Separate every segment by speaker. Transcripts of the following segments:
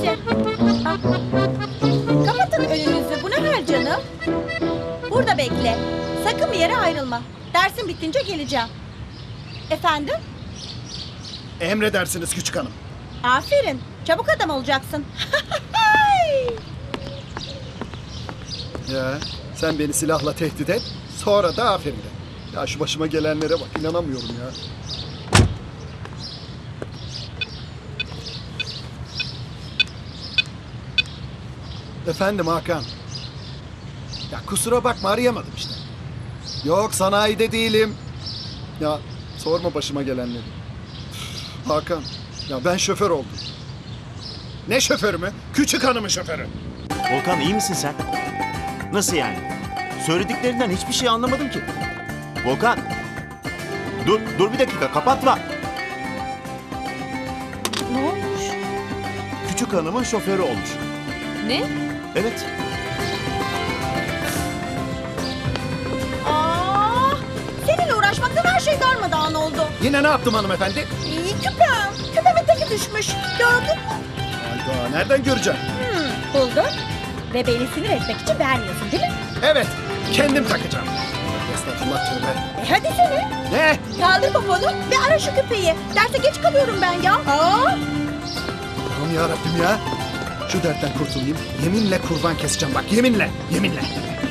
Speaker 1: bekle. Ah. Kapatın önünüzü. Bu ne hal canım? Burada bekle. Sakın bir yere ayrılma. Dersin bitince geleceğim. Efendim?
Speaker 2: Emredersiniz küçük hanım.
Speaker 1: Aferin. Çabuk adam olacaksın.
Speaker 2: Ya sen beni silahla tehdit et, sonra da aferin de. Ya şu başıma gelenlere bak, inanamıyorum ya. Efendim Hakan. Ya kusura bakma, arayamadım işte. Yok, sanayide değilim. Ya sorma başıma gelenleri. Hakan, ya ben şoför oldum. Ne şoförü mü? Küçük hanımın şoförü.
Speaker 3: Volkan iyi misin sen? Nasıl yani? Söylediklerinden hiçbir şey anlamadım ki. Volkan. Dur bir dakika, kapatma.
Speaker 1: Ne olmuş?
Speaker 3: Küçük hanımın şoförü olmuş.
Speaker 1: Ne?
Speaker 3: Evet.
Speaker 1: Aa, seninle uğraşmaktan her şey darmadağın oldu.
Speaker 2: Yine ne yaptım hanımefendi?
Speaker 1: Küpem. Küpemin teki düşmüş. Gördün mü?
Speaker 2: Hayda, nereden göreceğim?
Speaker 1: Buldun. Ve beni sinir etmek için vermiyorsun değil mi?
Speaker 2: Evet, kendim takacağım. Estağfurullah, tövbe.
Speaker 1: Hadi seni.
Speaker 2: Ne?
Speaker 1: Kaldır poponu ve ara şu küpeyi. Derse geç kalıyorum ben ya.
Speaker 2: Allah'ım yarabbim ya. Şu dertten kurtulayım. Yeminle kurban keseceğim bak, yeminle, yeminle.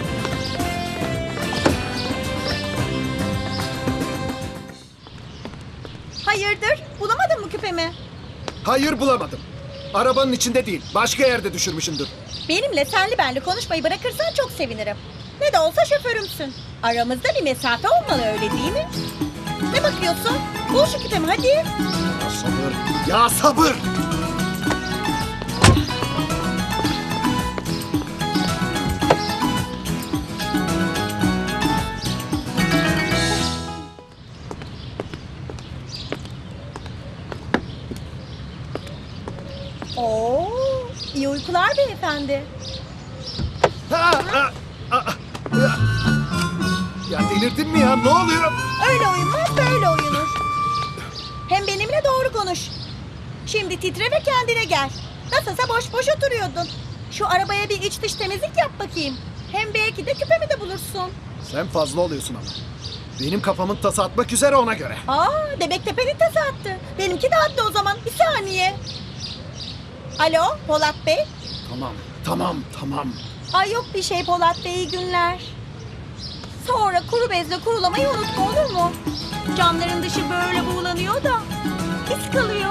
Speaker 1: Hayırdır? Bulamadın mı küpemi?
Speaker 2: Hayır, bulamadım. Arabanın içinde değil, başka yerde düşürmüşümdür.
Speaker 1: Benimle senli benli konuşmayı bırakırsan çok sevinirim. Ne de olsa şoförümsün. Aramızda bir mesafe olmalı, öyle değil mi? Ne bakıyorsun? Bul şu küpemi hadi.
Speaker 2: Ya sabır, ya sabır!
Speaker 1: Oo, iyi uykular beyefendi.
Speaker 2: Ya delirdin mi ya, ne oluyor?
Speaker 1: Öyle uyunmaz, böyle uyunur. Hem benimle doğru konuş. Şimdi titre ve kendine gel. Nasılsa boş boş oturuyordun. Şu arabaya bir iç dış temizlik yap bakayım. Hem belki de küpemi de bulursun.
Speaker 2: Sen fazla oluyorsun ama. Benim kafamın tası atmak üzere, ona göre.
Speaker 1: Demek tepenin tası attı. Benimki de attı o zaman. Bir saniye. Alo Polat Bey.
Speaker 2: Tamam.
Speaker 1: Ay yok bir şey Polat Bey, iyi günler. Sonra kuru bezle kurulamayı unutma, olur mu? Camların dışı böyle buğulanıyor da iz kalıyor.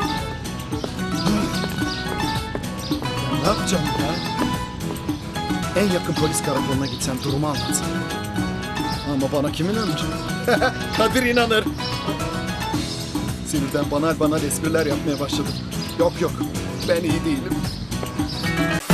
Speaker 2: Ya ne yapacağım ya? En yakın polis karakoluna gitsem durumu anlatsam. Ama bana kim inanacak? Kadir inanır. Sinirden banal espriler yapmaya başladım. Yok, ben iyi değilim.